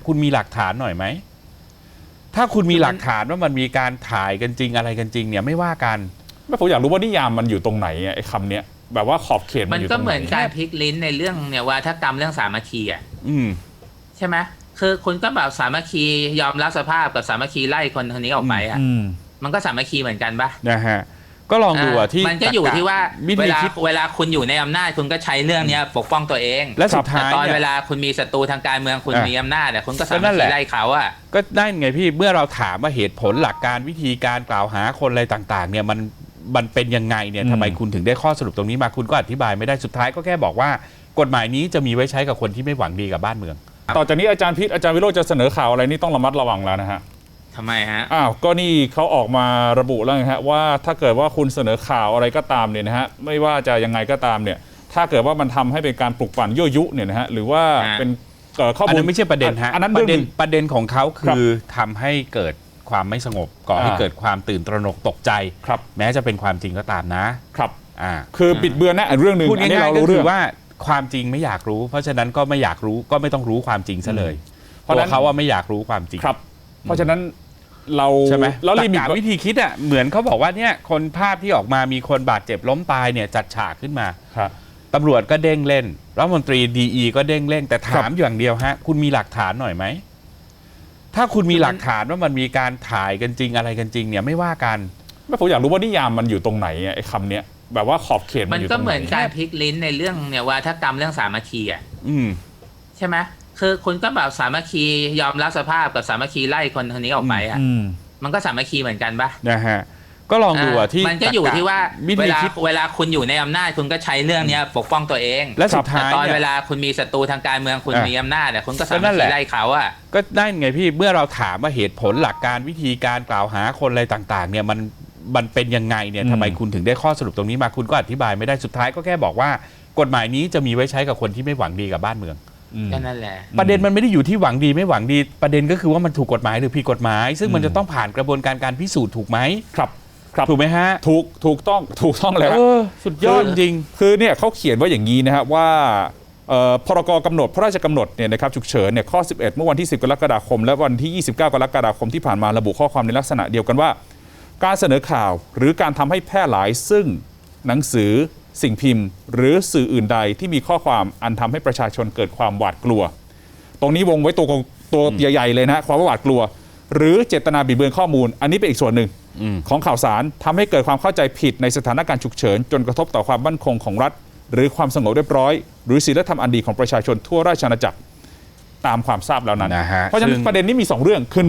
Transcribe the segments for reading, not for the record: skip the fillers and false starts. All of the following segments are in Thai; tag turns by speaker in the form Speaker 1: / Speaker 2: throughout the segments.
Speaker 1: คุณมีหลักฐานหน่อยไหมถ้าคุณมีหลักฐานว่ามันมีการถ่ายกันจริงอะไรกันจริงเนี่ยไม่ว่ากัน
Speaker 2: ไม่ผมอยากรู้ว่านิยามมันอยู่ตรงไหนไอ้คำเนี้ยแบบว่าขอบเขตมันอยู่ตรงไหน
Speaker 3: มันก็เหมือนการพลิกลิ้นในเรื่องเนี่ยว่าถ้ากรรมเรื่องสามัคคีอ่ะใช่ไหมคือคุณก็แบบสามัคคียอมรับสภาพกับสามัคคีไล่คนนี้ออกไปอ่ะมันก็สามัคคีเหมือนกันปะ
Speaker 1: นะฮะก็ลองดูที่
Speaker 3: มันก็อยู่ที่ว่าเวลาคุณอยู่ในอำนาจคุณก็ใช้เรื่องนี้ปกป้องตัวเอง
Speaker 1: และสุดท้าย
Speaker 3: ตอนเวลาคุณมีศัตรูทางการเมืองคุณมีอำนาจคุณก็สามารถไล่เขาอ่ะ
Speaker 1: ก็ได้ไงพี่เมื่อเราถามว่าเหตุผลหลักการวิธีการกล่าวหาคนอะไรต่างๆเนี่ยมันเป็นยังไงเนี่ยทำไมคุณถึงได้ข้อสรุปตรงนี้มาคุณก็อธิบายไม่ได้สุดท้ายก็แค่บอกว่ากฎหมายนี้จะมีไว้ใช้กับคนที่ไม่หวังดีกับบ้านเมือง
Speaker 2: ต่อจากนี้อาจารย์พิษอาจารย์วิโรจน์จะเสนอข่าวอะไรนี่ต้องระมัดระวังแล้วนะฮะ
Speaker 3: ทำไมฮะ
Speaker 2: ก็นี่เขาออกมาระบุแล้วไงฮะว่าถ้าเกิดว่าคุณเสนอข่าวอะไรก็ตามเนี่ยนะฮะไม่ว่าจะยังไงก็ตามเนี่ยถ้าเกิดว่ามันทำให้เป็นการปลุกปั่นยั่วยุเนี่ยนะฮะหรือว่าเป็นข้อมูล
Speaker 1: ไม่ใช่ประเด็นฮะ
Speaker 2: อันนั้น
Speaker 1: ประเด็นของเขาคือทำให้เกิดความไม่สงบก่อให้เกิดความตื่นตระหนกตกใจแม้จะเป็นความจริงก็ตามนะครับ
Speaker 2: คือบิดเบือนนะเรื่องหนึ่ง
Speaker 1: พูดง่ายๆก็คือว่าความจริงไม่อยากรู้เพราะฉะนั้นก็ไม่อยากรู้ก็ไม่ต้องรู้ความจริงซะเลยเพราะเขาว่าไม่อยากรู้ความจริง
Speaker 2: ครับเพราะฉะนั้นเรา
Speaker 1: ใช่ไหมแล้วลิมิตวิธีคิดอ่ะเหมือนเขาบอกว่าเนี่ยคนภาพที่ออกมามีคนบาดเจ็บล้มตายเนี่ยจัดฉากขึ้นมาตำรวจก็เด้งเล่นรัฐมนตรีดีก็เด้งเล่นแต่ถามอย่างเดียวฮะคุณมีหลักฐานหน่อยไหมถ้าคุณมีหลักฐานว่ามันมีการถ่ายกันจริงอะไรกันจริงเนี่ยไม่ว่ากัน
Speaker 2: ไม่ผมอยากรู้ว่านิยามมันอยู่ตรงไหนไอ้คำเนี้ยแบบว่าขอบเขต
Speaker 3: มันก็เหมือนการพลิกลิ้นในเรื่องเนี่ยว่าถ้ากรรมเรื่องสามัคคีอ่ะใช่ไหมคือคุณก็แบบสามัคคียอมรับสภาพกับสามัคคีไล่คนนี้ออกไปอ่ะมันก็สามัคคีเหมือนกันปะ
Speaker 1: นะฮะก็ลองดูที่
Speaker 3: มันก็อยู่ที่ว่าเวลาคุณอยู่ในอำนาจคุณก็ใช้เรื่องนี้ปกป้องตัวเอง
Speaker 1: และสุดท้าย
Speaker 3: ตอนเวลาคุณมีศัตรูทางการเมืองคุณมีอำนาจคุณก็สามารถไล่เขาอ่ะ
Speaker 1: ก็ได้ไงพี่เมื่อเราถามว่าเหตุผลหลักการวิธีการกล่าวหาคนอะไรต่างๆเนี่ยมันเป็นยังไงเนี่ยทำไมคุณถึงได้ข้อสรุปตรงนี้มาคุณก็อธิบายไม่ได้สุดท้ายก็แค่บอกว่ากฎหมายนี้จะมีไว้ใช้กับคนที่ไม่หวังดีกับบ้านเมือง
Speaker 3: ก็นั่นแหละ
Speaker 1: ประเด็นมันไม่ได้อยู่ที่หวังดีไม่หวังดีประเด็นก็คือว่ามันถูกกฎหมายหรือผิดกฎหมายซึ่งมันจะต้องผ่านกระบวนการการพิสูจน์ถูกไหม
Speaker 2: ครับ
Speaker 1: ถูกไหมฮะ
Speaker 2: ถูกต้องแล้ว
Speaker 1: สุดยอดจริง
Speaker 2: คือเนี่ยเขาเขียนว่าอย่างนี้นะครับว่าพรกกำหนดพระราชกำหนดเนี่ยนะครับฉุกเฉินเนี่ยข้อ11เมื่อวันที่10กรกฎาคมและวันที่29กรกฎาคมที่ผ่านมาระบุข้อความในลักษณะเดียวกันว่าการเสนอข่าวหรือการทำให้แพร่หลายซึ่งหนังสือสิ่งพิมพ์หรือสื่ออื่นใดที่มีข้อความอันทำให้ประชาชนเกิดความหวาดกลัวตรงนี้วงไว้ตัวใหญ่ๆเลยนะความหวาดกลัวหรือเจตนาบิดเบือนข้อมูลอันนี้เป็นอีกส่วนหนึ่งของข่าวสารทำให้เกิดความเข้าใจผิดในสถานการณ์ฉุกเฉินจนกระทบต่อความมั่นคงของรัฐหรือความสงบเรียบร้อยหรือศีลธรรมอันดีของประชาชนทั่วราชอาณาจักรตามความทราบแล้วนั้นเพราะฉะนั้นประเด็นนี้มี2เรื่องคือ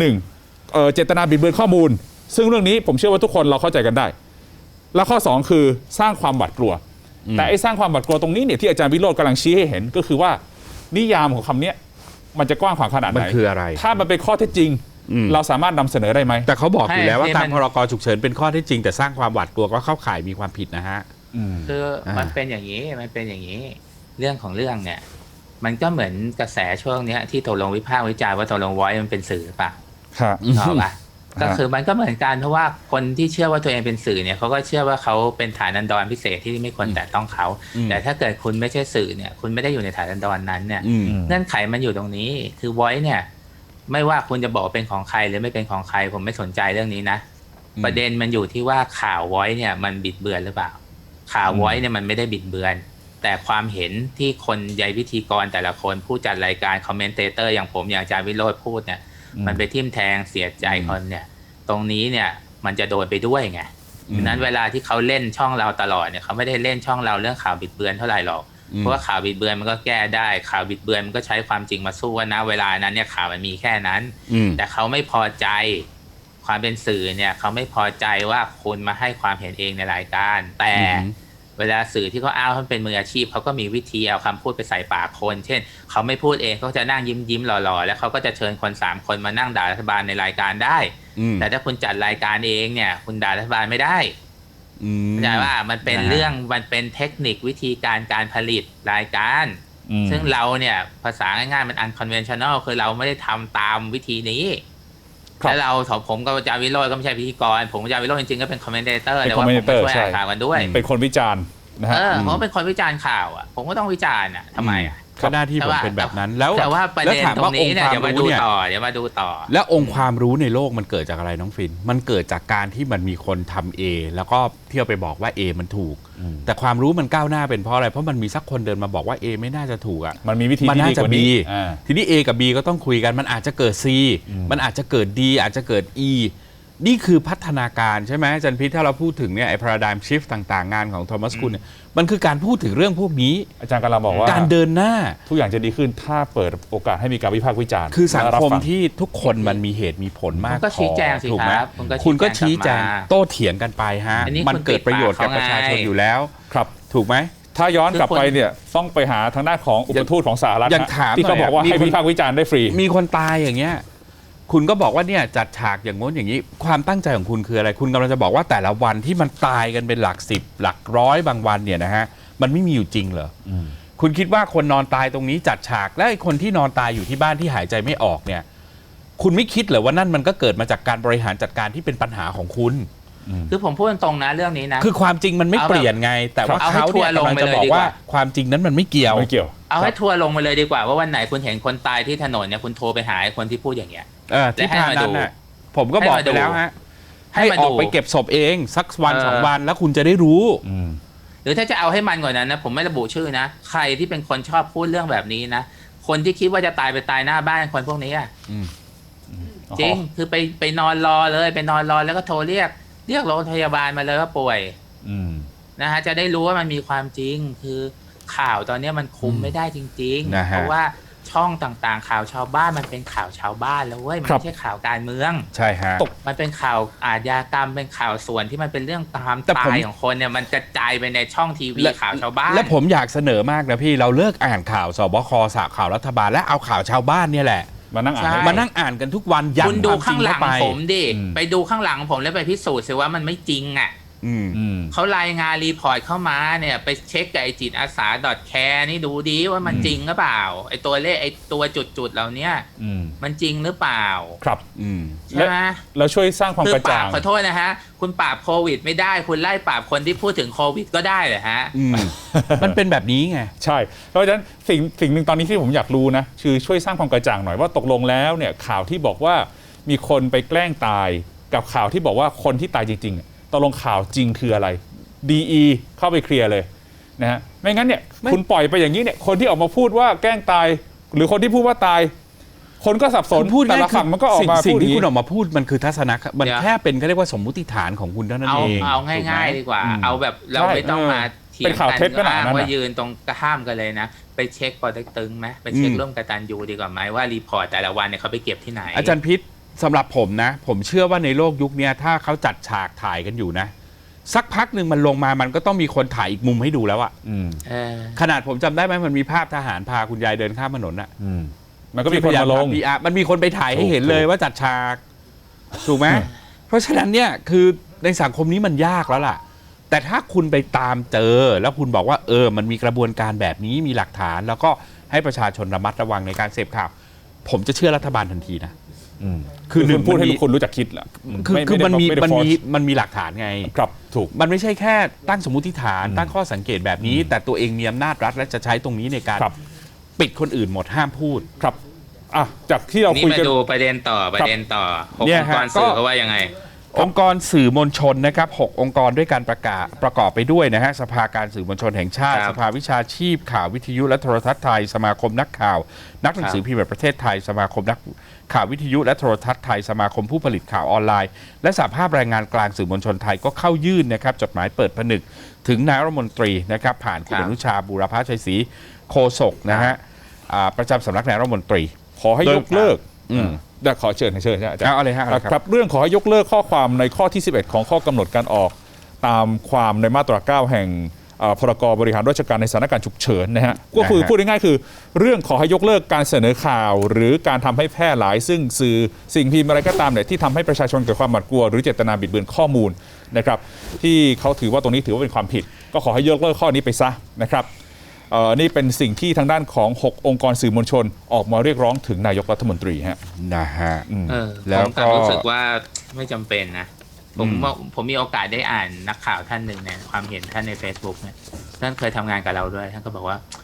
Speaker 2: 1เจตนาบิดเบือนข้อมูลซึ่งเรื่องนี้ผมเชื่อว่าทุกคนเราเข้าใจกันได้และข้อ2คือสร้างความหวาดกลัวแต่ไอ้สร้างความหวาดกลัวตรงนี้เนี่ยที่อาจารย์วิโรจน์กำลังชี้ให้เห็นก็คือว่านิยามของคำนี้มันจะกว้างขวางขนาดไหน
Speaker 1: มันคืออะไร
Speaker 2: ถ้ามันเป็นข้อเท็จจริงเราสามารถนำเสนอได้ไหม
Speaker 1: แต่เขาบอกอยู่แล้วว่าตามพรกฉุกเฉินเป็นข้อเท็จจริงแต่สร้างความหวาดกลัวก็เข้าข่ายมีความผิดนะฮะ
Speaker 3: คือมันเป็นอย่างนี้เรื่องของเรื่องเนี่ยมันก็เหมือนกระแสช่วงนี้ที่ตกลงวิพากษ์วิจารณ์ว่าตกลงไว้มันเป็นสื่อป่ะถูกป่ะก็คือมันก็เหมือนกันเพราะว่าคนที่เชื่อว่าตัวเองเป็นสื่อเนี่ยเขาก็เชื่อว่าเขาเป็นฐานันดรพิเศษที่ไม่ควรแตะต้องเขาแต่ถ้าเกิดคุณไม่ใช่สื่อเนี่ยคุณไม่ได้อยู่ในฐานันดรนั้นเนี่ยเงื่อนไขมันอยู่ตรงนี้คือไว้เนี่ยไม่ว่าคุณจะบอกเป็นของใครหรือไม่เป็นของใครผมไม่สนใจเรื่องนี้นะประเด็นมันอยู่ที่ว่าข่าวไว้เนี่ยมันบิดเบือนหรือเปล่าข่าวไว้เนี่ยมันไม่ได้บิดเบือนแต่ความเห็นที่คนใยพิธีกรแต่ละคนผู้จัดรายการคอมเมนเตเตอร์อย่างผมอย่างอาจารย์วิโรจน์พูดเนี่ยมันไปทิ่มแทงเสียใจคนเนี่ยตรงนี้เนี่ยมันจะโดนไปด้วยไงดังนั้นเวลาที่เขาเล่นช่องเราตลอดเนี่ยเขาไม่ได้เล่นช่องเราเรื่องข่าวบิดเบือนเท่าไหร่หรอกเพราะว่าข่าวบิดเบือนมันก็แก้ได้ข่าวบิดเบือนมันก็ใช้ความจริงมาสู้ว่านะเวลานั้นเนี่ยข่าวมันมีแค่นั้นแต่เขาไม่พอใจความเป็นสื่อเนี่ยเขาไม่พอใจว่าคุณมาให้ความเห็นเองในรายการแต่เวลาสื่อที่เขาอ้างว่าเป็นมืออาชีพเขาก็มีวิธีเอาคำพูดไปใส่ปากคนเช่นเขาไม่พูดเองเขาจะนั่งยิ้มหล่อๆแล้วเขาก็จะเชิญคน3คนมานั่งด่ารัฐบาลในรายการได้แต่ถ้าคุณจัดรายการเองเนี่ยคุณด่ารัฐบาลไม่ได้เข้าใจว่ามันเป็นเรื่องมันเป็นเทคนิควิธีการผลิตรายการซึ่งเราเนี่ยภาษาง่ายๆมัน unconventional คือเราไม่ได้ทำตามวิธีนี้แล้วเราผมกับอาจารย์วิโรจน์ก็ไม่ใช่พิธีกรผมกับอาจารย์วิโรจน์จริงๆก็เป็นคอมเมนเตเตอร์แต่ว่าผมก็ช่วยอ่านข่าวกันด้วย
Speaker 2: เป็นคนวิจารณ์นะฮะ
Speaker 3: ผมเป็นคนวิจารณ์ข่าวอ่ะผมก็ต้องวิจารณ์อ่ะทำไมอ่ะ
Speaker 1: ก็หน้าที่ผมเป็นแบบนั้นแล้ว
Speaker 3: แต่ว่าประเด็น
Speaker 1: ถาม
Speaker 3: ตรงนี้เนี่ย
Speaker 1: อง
Speaker 3: เดี๋ยว
Speaker 1: ค์
Speaker 3: มา
Speaker 1: ความ
Speaker 3: ดู
Speaker 1: รู้เนี่ย
Speaker 3: ต่อเดี๋ยวมาดูต่อ
Speaker 1: แล้วองค์ความรู้ในโลกมันเกิดจากอะไรน้องฟินมันเกิดจากการที่มันมีคนทำ A แล้วก็เที่ยวไปบอกว่า A มันถูก แต่ความรู้มันก้าวหน้าเป็นเพราะอะไรเพราะมันมีสักคนเดินมาบอกว่า A ไม่น่าจะถูกอ่ะ
Speaker 2: มันมีวิธี
Speaker 1: มัน
Speaker 2: ที่
Speaker 1: น่า
Speaker 2: ดี
Speaker 1: จะ
Speaker 2: กว่า
Speaker 1: B
Speaker 2: นี้
Speaker 1: ทีนี้ A กับ B ก็ต้องคุยกันมันอาจจะเกิด C มันอาจจะเกิด D อาจจะเกิด E นี่คือพัฒนาการใช่ไหมอาจารย์พิษถ้าเราพูดถึงเนี่ยไอ้ paradigm shift ต่างๆงานของโทมัสกุลเนี่ยมันคือการพูดถึงเรื่องพวกนี้
Speaker 2: อาจารย์กำลังบอกว่า
Speaker 1: การเดินหน้า
Speaker 2: ทุกอย่างจะดีขึ้นถ้าเปิดโอกาสให้มีการวิพากษ์วิจารณ์
Speaker 1: คือสัง
Speaker 2: และรับ
Speaker 1: คม
Speaker 2: ฟั
Speaker 1: ที่ทุกคนมันมีเหตุมีผลมาก
Speaker 3: คุณก็ชี้แจงสิ
Speaker 1: ถูกไหม
Speaker 3: ครับ
Speaker 1: คุณก็ชี้แจง
Speaker 3: กลับมา
Speaker 1: โต้เถียงกันไปฮะ
Speaker 3: อันนี้
Speaker 1: มัน
Speaker 3: คุณ
Speaker 1: เกิดประโยชน์กับประชาชน
Speaker 3: ปิดปากเขาไง
Speaker 1: อยู่แล้ว
Speaker 2: ครับ
Speaker 1: ถูกไหม
Speaker 2: ถ้าย้อนกลับไปเนี่ยต้องไปหาทางด้านของอุปทูตของสหรัฐ
Speaker 1: ยังถาม
Speaker 2: ที่เขาบอกว่า
Speaker 1: หน่อย
Speaker 2: ให้
Speaker 1: มีคน
Speaker 2: วิพากษ์วิจารณ์ได้ฟรี
Speaker 1: มีคนตายอย่างเงี้ยคุณก็บอกว่าเนี่ยจัดฉากอย่างง้นอย่างนี้ ความตั้งใจของคุณคืออะไร คุณกำลังจะบอกว่าแต่ละวันที่มันตายกันเป็นหลักสิบหลักร้อยบางวันเนี่ยนะฮะมันไม่มีอยู่จริงเหรออคุณคิดว่าคนนอนตายตรงนี้จัดฉากและไอ้คนที่นอนตายอยู่ที่บ้านที่หายใจไม่ออกเนี่ย คุณไม่คิดเหรอว่านั่นมันก็เกิดมาจากการบริหารจัดการที่เป็นปัญหาของคุณ
Speaker 3: คือผมพูดตรงๆนะเรื่องนี้นะ
Speaker 1: คือความจริงมันไม่เปลี่ยนไง แต่ว่า
Speaker 3: เอาให้
Speaker 1: เขา
Speaker 3: ทัว
Speaker 1: เนี่ย
Speaker 3: ร์ลง
Speaker 1: กำลัง
Speaker 3: ไป
Speaker 1: จะ
Speaker 3: เลย
Speaker 1: บอก
Speaker 3: ดีกว่า
Speaker 1: ว่าความจริงนั้นมันไม่เกี่ยว
Speaker 2: ไม่เกี่ยว
Speaker 3: เอาให้ทัวร์ลงไปเลยดีกว่าว่าวันไหนคุณเห็นคนตายที่ถนนเนี่ยคุณโทรไปหาไอ้คนที่พูดอย่างเงี้ย
Speaker 1: ที่ผ่านนั้นน่ะผมก็บอกไปแล้วฮะ
Speaker 3: ให้
Speaker 1: ให้
Speaker 3: มา
Speaker 1: อ
Speaker 3: ดู
Speaker 1: อกไปเก็บศพเองสักวัน
Speaker 3: เออ
Speaker 1: สองวันแล้วคุณจะได้รู้
Speaker 3: หรือถ้าจะเอาให้มันกว่านั้นนะผมไม่ระบุชื่อนะใครที่เป็นคนชอบพูดเรื่องแบบนี้นะคนที่คิดว่าจะตายไปตายหน้าบ้านคนพวกนี้อะจริงคือไปนอนรอเลยไปนอนรอแล้วก็โทรเรียกโรงพยาบาลมาเลยว่าป่วยนะฮะจะได้รู้ว่ามันมีความจริงคือข่าวตอนนี้มันคุมไม่ได้จริงๆ
Speaker 1: นะฮะ
Speaker 3: เพราะว่าช่องต่างๆ ข่าวชาวบ้านมันเป็นข่าวชาวบ้านแล้วเว้ยมันไม่ใช่ข่าวการเมือง
Speaker 1: ใช่ฮะ
Speaker 3: มันเป็นข่าวอาชญากรรมเป็นข่าวส่วนที่มันเป็นเรื่องตาม
Speaker 1: แต่ผม
Speaker 3: ตายของคนเนี่ยมันกระจายไปในช่องทีวีข่าวชาวบ้าน
Speaker 1: และผมอยากเสนอมากนะพี่เราเลิกอ่านข่าวสบคสาข่าวรัฐบาลและเอาข่าวชาวบ้านเนี่ยแหละ
Speaker 2: มานั่งอ่าน
Speaker 3: ใช่
Speaker 2: ให้
Speaker 1: มานั่งอ่านกันทุกวันยัน
Speaker 3: คุณดู
Speaker 1: ความจริ
Speaker 3: ข้าง งหลั
Speaker 1: เข้าง ไป
Speaker 3: ผมดิไปดูข้างหลังผมแล้วไปพิสูจน์สิว่ามันไม่จริงอ่ะ เขารายงานรีพอร์ตเข้ามาเนี่ยไปเช็คกับไอจิตอาสา .care นี่ดูดีว่ามันจริงหรือเปล่าไอตัวเลขไอตัวจุดๆเหล่านี้มันจริงหรือเปล่า
Speaker 2: ครับ
Speaker 3: ใช่ไหม
Speaker 2: แล้วช่วยสร้างความ
Speaker 3: คือก
Speaker 2: ระ
Speaker 3: ปรา
Speaker 2: จ่า
Speaker 3: บ
Speaker 2: ง
Speaker 3: ขอโทษนะฮะคุณปราบโควิดไม่ได้คุณไล่ปราบคนที่พูดถึงโควิดก็ได้เหรอฮะ
Speaker 1: มันเป็นแบบนี้ไง
Speaker 2: ใช่เพราะฉะนั้นสิ่งหนึ่งตอนนี้ที่ผมอยากรู้นะคือช่วยสร้างความกระจ่างหน่อยว่าตกลงแล้วเนี่ยข่าวที่บอกว่ามีคนไปแกล้งตายกับข่าวที่บอกว่าคนที่ตายจริงๆตกลงข่าวจริงคืออะไร DE เข้าไปเคลียร์เลยนะฮะไม่งั้นเนี่ยคุณปล่อยไปอย่างนี้เนี่ยคนที่ออกมาพูดว่าแกล้งตาย หรือคนที่พูดว่าตาย คนก็สับสน
Speaker 1: คุณพูด
Speaker 2: แต่ละฝั่งมันก็ออกมา
Speaker 1: สิ่
Speaker 2: พู
Speaker 1: ง
Speaker 2: ด
Speaker 1: ที่
Speaker 2: อย่าง
Speaker 1: คุณ
Speaker 2: นี้
Speaker 1: ออกมาพูดมันคือทัศนะมัน
Speaker 3: เดี๋ยว
Speaker 1: แค่เป็นเขาเรียกว่าสมมุติฐานของคุณเท่านั้นเอง
Speaker 3: เอา
Speaker 1: ถูกไหม
Speaker 3: ง่ายๆดีกว่า เอาแบบเรา
Speaker 2: ใช่
Speaker 3: ไม่ต้องมาเถีย
Speaker 2: เป็
Speaker 3: ง
Speaker 2: นข่าวเท็จขนาดนั้น
Speaker 3: อ้างว่า
Speaker 2: น่ะ
Speaker 3: ยืนตรงข้ามกันเลยนะ ไปเช็คปอเต็กตึงไหมไปเช็คร่วมกตัญญูดีกว่าไหมว่ารีพอร์ตแต่ละวันเนี่ยเขาไปเก็บที่ไหน
Speaker 1: อาจารย์พิษสำหรับผมนะ ผมเชื่อว่าในโลกยุคนี้ถ้าเขาจัดฉากถ่ายกันอยู่นะ สักพักหนึ่งมันลงมามันก็ต้องมีคนถ่ายอีกมุมให้ดูแล้วอะ
Speaker 3: เออ
Speaker 1: ขนาดผมจำได้ไหมมันมีภาพทหารพาคุณยายเดินข้ามถนนอะ
Speaker 2: มันก็มีคนมาลง
Speaker 1: มันมีคนไปถ่ายให้เห็นเลยว่าจัดฉากถูกไหมเพราะฉะนั้นเนี่ยคือในสังคมนี้มันยากแล้วล่ะ แต่ถ้าคุณไปตามเจอแล้วคุณบอกว่ามันมีกระบวนการแบบนี้มีหลักฐาน แล้วก็ให้ประชาชนระมัดระวังในการเสพข่าวผมจะเชื่อรัฐบาลทันทีนะ
Speaker 2: คือคุณพูดให้ทุกคนรู้จักคิดแหละ
Speaker 1: คือมันมี
Speaker 2: ไได้
Speaker 1: มันมีหลักฐานไง
Speaker 2: ครับถูก
Speaker 1: มันไม่ใช่แค่ตั้งสมมุติฐานตั้งข้อสังเกตแบบนี้ แต่ตัวเองมีอำนาจรัฐและจะใช้ตรงนี้ในการ
Speaker 2: ครับ
Speaker 1: ปิดคนอื่นหมดห้ามพูด
Speaker 2: ครับอ่ะจากที่เรา
Speaker 3: นี่
Speaker 2: คุย
Speaker 3: มา
Speaker 2: กัน
Speaker 3: ดูประเด็นต่อหก
Speaker 1: เนี่
Speaker 3: อย งค์
Speaker 1: ฮะ
Speaker 3: กรสื่อ
Speaker 1: ก็
Speaker 3: เขาว่ายังไง
Speaker 1: องค์กรสื่อมวลชนนะครับ6องค์กรด้วยการประกอบไปด้วยนะฮะสภาการสื่อมวลชนแห่งชาติ
Speaker 3: ครับ
Speaker 1: สภาวิชาชีพข่าววิทยุและโทรทัศน์ไทยสมาคมนักข่าว นักหนังสือพิมพ์แห่งประเทศไทยสมาคมนักข่าววิทยุและโทรทัศน์ไทยสมาคมผู้ผลิตข่าวออนไลน์และสหภาพแรงงานกลางสื่อมวลชนไทยก็เข้ายื่นนะครับจดหมายเปิดผนึกถึงนายรัฐมนตรีนะครับผ่านคุณ
Speaker 3: ครั
Speaker 1: อบ นุชาบูรพชัยศรีโฆษกนะฮะประจำสำนักนายรัฐมนตรี
Speaker 2: ขอให้ยกเลิก
Speaker 1: โดย
Speaker 2: ขอเชิญอาจารย์
Speaker 1: เอาเลยฮะเอาเลยครับ
Speaker 2: ครับเรื่องขอให้ยกเลิกข้อความในข้อที่ 11 ของข้อกำหนดการออกตามความในมาตรา 9 แห่งพรกบริหารราชการในสถานการณ์ฉุกเฉินนะฮะก็คือพูดง่ายๆคือเรื่องขอให้ยกเลิกการเสนอข่าว หรือการทำให้แพร่หลายซึ่งสื่อสิ่งพิมพ์อะไรก็ตามเนี่ยที่ทำให้ประชาชนเกิดความหวาดกลัวหรือเจตนาบิดเบือนข้อมูลนะครับที่เขาถือว่าตรงนี้ถือว่าเป็นความผิด ก็ขอให้ยกเลิกข้อนี้ไปซะนะครับนี่เป็นสิ่งที่ทางด้านของ6องค์กรสื่อมวลชนออกมาเรียกร้องถึงนายกรัฐมนตรีฮะ
Speaker 1: นะฮะ
Speaker 3: แล้ว
Speaker 1: ก็
Speaker 3: ผมรู้สึกว่าไม่จำเป็นนะผมมีโอกาสได้อ่านนักข่าวท่านหนึ่งเนี่ยความเห็นท่านใน Facebook เนี่ยท่านเคยทำงานกับเราด้วยท่านก็บอกว่า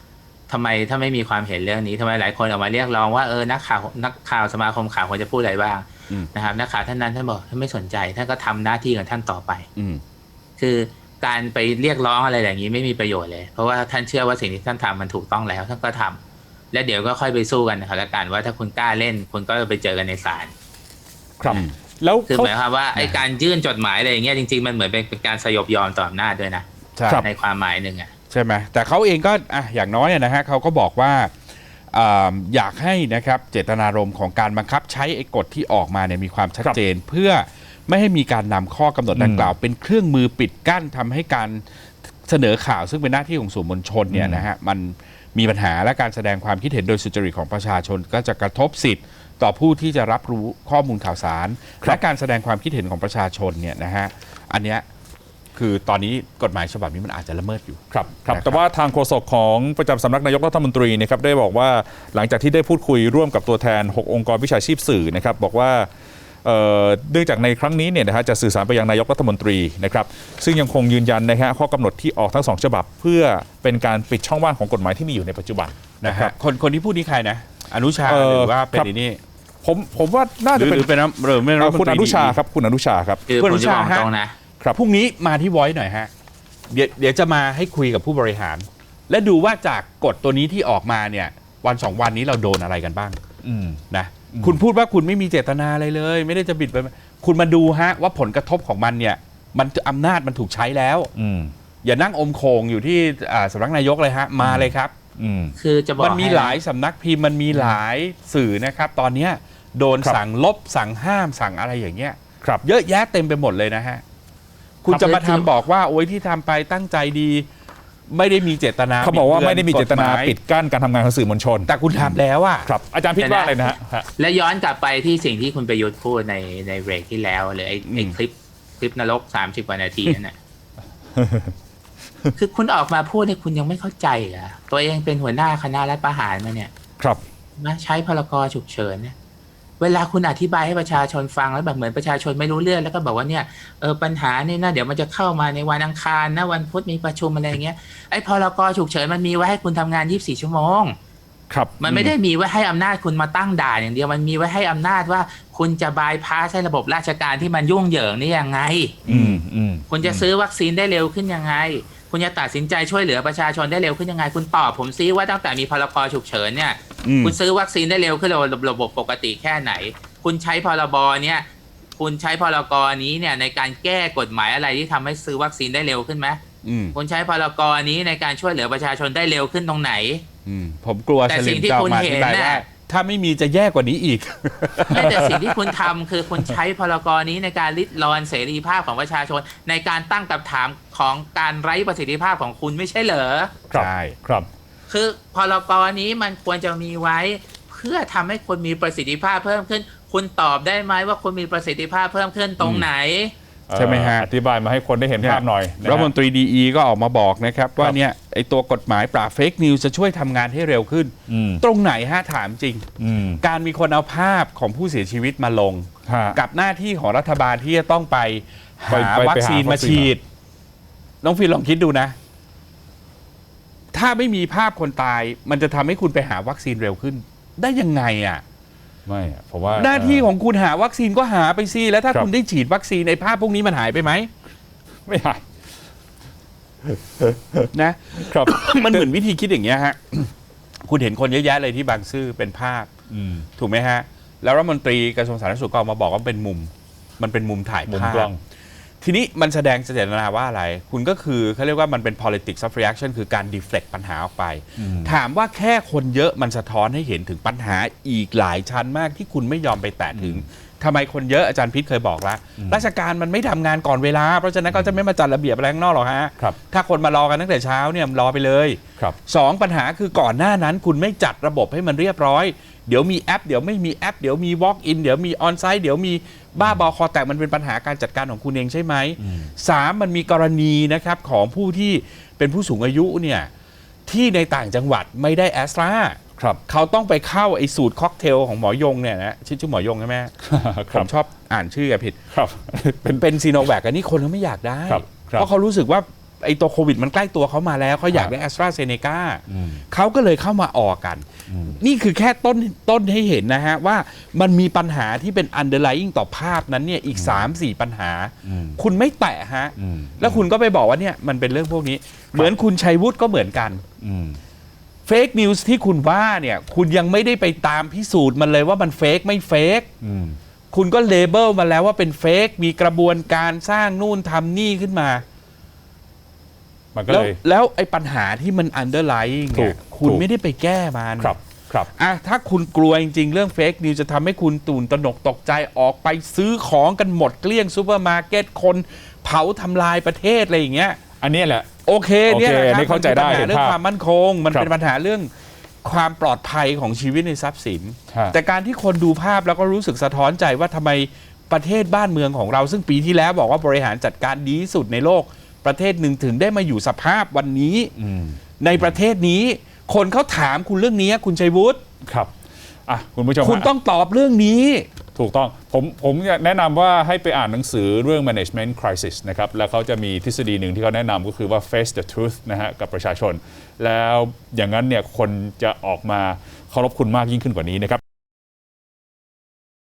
Speaker 3: ทำไมถ้าไม่มีความเห็นเรื่องนี้ทำไมหลายคนออกมาเรียกร้องว่านักข่าวสมาคมข่าวควรจะพูดอะไรบ้างนะครับนักข่าวท่านนั้นท่านบอกท่านไม่สนใจท่านก็ทำหน้าที่ของท่านต่อไปคือการไปเรียกร้องอะไรอย่างนี้ไม่มีประโยชน์เลยเพราะว่าท่านเชื่อว่าสิ่งที่ท่านทำมันถูกต้องแล้วท่านก็ทำและเดี๋ยวก็ค่อยไปสู้กันนะครับแล้วกันว่าถ้าคุณกล้าเล่นคุณก็ไปเจอกันในศาล
Speaker 2: ครับแล้ว
Speaker 3: คือหมายความว่าไอ้การยื่นจดหมายอะไรอย่างเงี้ยจริงๆมันเหมือนเป็นการสยบยอมต่ออำนาจด้วยนะในความหมายหนึ่ง
Speaker 1: ใช่ไหมแต่เขาเองก็อย่างน้อยนะฮะเขาก็บอกว่าอยากให้นะครับเจตนารมณ์ของการบังคับใช้ไอ้กฎที่ออกมาเนี่ยมีความชัดเจนเพื่อไม่ให้มีการนำข้อกำหนดดังกล่าวเป็นเครื่องมือปิดกั้นทำให้การเสนอข่าวซึ่งเป็นหน้าที่ของสื่อมวลชนเนี่ยนะฮะมันมีปัญหาและการแสดงความคิดเห็นโดยสุจริตของประชาชนก็จะกระทบสิทธิ์ต่อผู้ที่จะรับรู้ข้อมูลข่าวสารและการแสดงความคิดเห็นของประชาชนเนี่ยนะฮะอันเนี้ยคือตอนนี้กฎหมายฉบับนี้มันอาจจะละเมิดอยู่
Speaker 2: ครับแต่ว่าทางโฆษกของประจำสำนักนายกรัฐมนตรีนะครับได้บอกว่าหลังจากที่ได้พูดคุยร่วมกับตัวแทน6องค์กรวิชาชีพสื่อนะครับบอกว่าเนื่องจากในครั้งนี้เนี่ยนะฮะจะสื่อสารไปยังนายกรัฐมนตรีนะครับซึ่งยังคงยืนยันนะฮะข้อกำหนดที่ออกทั้ง2ฉบับเพื่อเป็นการปิดช่องว่างของกฎหมายที่มีอยู่ในปัจจุบัน
Speaker 1: นะครับคนที่พูดนี่ใครนะอนุชาหรือว่าเป็นนี่
Speaker 2: ผมว่าน่าจะเป็นคุณอนุชาครับคุณอนุชาครับ
Speaker 1: คุณอนุชาฮะพรุ่งนี้มาที่ Voice หน่อยฮะเดี๋ยวจะมาให้คุยกับผู้บริหารและดูว่าจากกฎตัวนี้ที่ออกมาเนี่ยวัน2วันนี้เราโดนอะไรกันบ้างนะคุณพูดว่าคุณไม่มีเจตนาอะไรเลยไม่ได้จะบิดไปคุณมาดูฮะว่าผลกระทบของมันเนี่ยมันอำนาจมันถูกใช้แล้วอย่านั่งอมโคงอยู่ที่สำนักนายกเลยฮะมาเลยครับ
Speaker 3: คือจะบอก
Speaker 1: มันมีหลายสำนักพิมพ์มันมีหลายสื่อนะครับตอนนี้โดนสั่งลบสั่งห้ามสั่งอะไรอย่างเงี้ยเยอะแยะเต็มไปหมดเลยนะฮะคุณจะมาทำบอกว่าโอ้ยที่ทำไปตั้งใจดีไม่ได้มีเจตนา
Speaker 2: เขาบอกว่าไม่ได้มีเจตนาปิดกั้นการทำงานของสื่อมวลชน
Speaker 1: แต่คุณทำแล้วอ่ะ
Speaker 2: ครับอาจารย์พิษว่าอะไรนะฮะ
Speaker 3: และย้อนกลับไปที่สิ่งที่คุณประยุทธ์พูดในเบรกที่แล้วเลยไอ้คลิปนรก30 กว่านาทีนั่นแหละคือคุณออกมาพูดเนี่ยคุณยังไม่เข้าใจเหรอตัวเองเป็นหัวหน้าคณะรัฐประหารมาเนี่ย
Speaker 2: ครับ
Speaker 3: มาใช้พรก.ฉุกเฉินเนี่ยเวลาคุณอธิบายให้ประชาชนฟังแล้วแบบเหมือนประชาชนไม่รู้เรื่องแล้วก็บอกว่าเนี่ยปัญหานี่นะเดี๋ยวมันจะเข้ามาในวันอังคารนะวันพุธมีประชุมอะไรอย่างเงี้ยไอ้พรก.ฉุกเฉินมันมีไว้ให้คุณทำงาน24 ชั่วโมง
Speaker 2: ครับ
Speaker 3: มันไม่ได้มีไว้ให้อำนาจคุณมาตั้งด่านอย่างเดียวมันมีไว้ให้อำนาจว่าคุณจะบายพาสให้ระบบราชการที่มันยุ่งเหยิงนี่ยังไงคุณจะซื้อวัคซีนได้เร็วขึ้นยังไงคุณจะตัดสินใจช่วยเหลือประชาชนได้เร็วขึ้นยังไงคุณตอบผมซิว่าตั้งแต่มีพรก.ฉุกเฉินเนี่ยคุณซื้อวัคซีนได้เร็วขึ้นระบบปกติแค่ไหนคุณใช้พรบเนี่ยคุณใช้พรกนี้เนี่ยในการแก้กฎหมายอะไรที่ทำให้ซื้อวัคซีนได้เร็วขึ้นไหมคุณใช้พรกนี้ในการช่วยเหลือประชาชนได้เร็วขึ้นตรงไหน
Speaker 1: ผมกลัวแต่สิ่งที่คุณเห็นน่ะถ้าไม่มีจะแย่กว่านี้อีก
Speaker 3: แต่สิ่งที่คุณทำคือคุณใช้พรกนี้ในการริดรอนเสรีภาพของประชาชนในการตั้งคำถามของการไร้ประสิทธิภาพของคุณไม่ใช่เหรอ
Speaker 2: ใช่ครับ
Speaker 3: คือพรกนี้มันควรจะมีไว้เพื่อทำให้คนมีประสิทธิภาพเพิ่มขึ้นคุณตอบได้ไหมว่าคุณมีประสิทธิภาพเพิ่มขึ้นตรงไหน
Speaker 2: ใช่ไหมฮะอธิบายมาให้คนได้เห็นภาพหน่อย
Speaker 1: รัฐมนตรีดีก็ออกมาบอกนะครับว่าเนี่ยไอตัวกฎหมายปราบเฟกนิวส์จะช่วยทำงานให้เร็วขึ้นตรงไหนฮะถามจริงการมีคนเอาภาพของผู้เสียชีวิตมาลงกับหน้าที่ของรัฐบาลที่จะต้องไปหาวัคซีนมาฉีดน้องฟิลลองคิดดูนะถ้าไม่มีภาพคนตายมันจะทำให้คุณไปหาวัคซีนเร็วขึ้นได้ยังไงอ่ะ
Speaker 2: ไม่ผมว่า
Speaker 1: หน้าที่ของคุณหาวัคซีนก็หาไปสิแล้วถ้าคุณได้ฉีดวัคซีนในภาพพวกนี้มันหายไปไหม
Speaker 2: ไม่หาย
Speaker 1: นะครับ มันเหมือนวิธีคิดอย่างเงี้ยฮะคุณเห็นคนเยอะแยะเลยที่บางซื่อเป็นภาพถูกไหมฮะแล้วรัฐมนตรีกระทรวงสาธารณสุขก็ออกมาบอกว่าเป็นมุมมันเป็นมุมถ่ายภาพทีนี้มันแสดงเจตนาว่าอะไรคุณก็คือเขาเรียกว่ามันเป็น politics of reaction คือการ deflect ปัญหาออกไปถามว่าแค่คนเยอะมันสะท้อนให้เห็นถึงปัญหาอีกหลายชั้นมากที่คุณไม่ยอมไปแตะถึงทำไมคนเยอะอาจารย์พิษเคยบอกแล้วราชการมันไม่ทำงานก่อนเวลาเพราะฉะนั้นก็จะไม่มาจัดระเบียบอะไรข้างนอกหรอกฮะถ้าคนมารอกันตั้งแต่เช้าเนี่ยรอไปเลย2ปัญหาคือก่อนหน้านั้นคุณไม่จัดระบบให้มันเรียบร้อยเดี๋ยวมีแอปเดี๋ยวไม่มีแอปเดี๋ยวมี walk in เดี๋ยวมี on site เดี๋ยวมีบ้าบอคอแตกมันเป็นปัญหาการจัดการของคุณเองใช่ไหม3มันมีกรณีนะครับของผู้ที่เป็นผู้สูงอายุเนี่ยที่ในต่างจังหวัดไม่ได้แอสตราเขาต้องไปเข้าไอ้สูตรค็อกเทลของหมอยงเนี่ยนะชื่อหมอยงใช่ไหมผมชอบอ่านชื่อผิดเป็นซีโนแวคอันนี้คนเขาไม่อยากได้เพราะเขารู้สึกว่าไอ้ตัวโควิดมันใกล้ตัวเขามาแล้วเขาอยากได้ AstraZeneca เขาก็เลยเข้ามาออกกัน นี่คือแค่ต้นให้เห็นนะฮะว่ามันมีปัญหาที่เป็น underlying ต่อภาพนั้นเนี่ยอีก 3-4 ปัญหา คุณไม่แตะฮะแล้วคุณก็ไปบอกว่าเนี่ยมันเป็นเรื่องพวกนี้เหมือนคุณชัยวุฒิก็เหมือนกันเฟกนิวส์ที่คุณว่าเนี่ยคุณยังไม่ได้ไปตามพิสูจน์มันเลยว่ามันเฟกไม่เฟกคุณก็เลเบลมาแล้วว่าเป็นเฟกมีกระบวนการสร้างนู่นทำนี่ขึ้นมา
Speaker 2: มันก็เลย
Speaker 1: แล้วไอ้ปัญหาที่มัน underlying เนี่ยคุณไม่ได้ไปแก้มัน
Speaker 2: ครับ
Speaker 1: ถ้าคุณกลัวจริงๆเรื่องเฟกนิวจะทำให้คุณตื่นตระหนกตกใจออกไปซื้อของกันหมดเกลี้ยงซูเปอร์มาร์เก็ตคนเผาทำลายประเทศอะไรอย่างเงี้ย
Speaker 2: อันนี้แหละ
Speaker 1: โอเคเนี่ยนะครับ
Speaker 2: เข้าใจได้
Speaker 1: มันเป็นปัญหาเรื่องความมั่นคงมันเป็นปัญหาเรื่องความปลอดภัยของชีวิตในทรัพย์สินแต่การที่คนดูภาพแล้วก็รู้สึกสะท้อนใจว่าทำไมประเทศบ้านเมืองของเราซึ่งปีที่แล้วบอกว่าบริหารจัดการดีที่สุดในโลกประเทศหนึ่งถึงได้มาอยู่สภาพวันนี้ในประเทศนี้คนเขาถามคุณเรื่องนี้คุณชัยวุฒิ
Speaker 2: ครับคุณผู้ชม
Speaker 1: คุณต้องตอบเรื่องนี้
Speaker 2: ถูกต้องผมแนะนำว่าให้ไปอ่านหนังสือเรื่อง management crisis นะครับแล้วเขาจะมีทฤษฎีหนึ่งที่เขาแนะนำก็คือว่า face the truth นะฮะกับประชาชนแล้วอย่างนั้นเนี่ยคนจะออกมาเคารพคุณมากยิ่งขึ้นกว่านี้นะครับ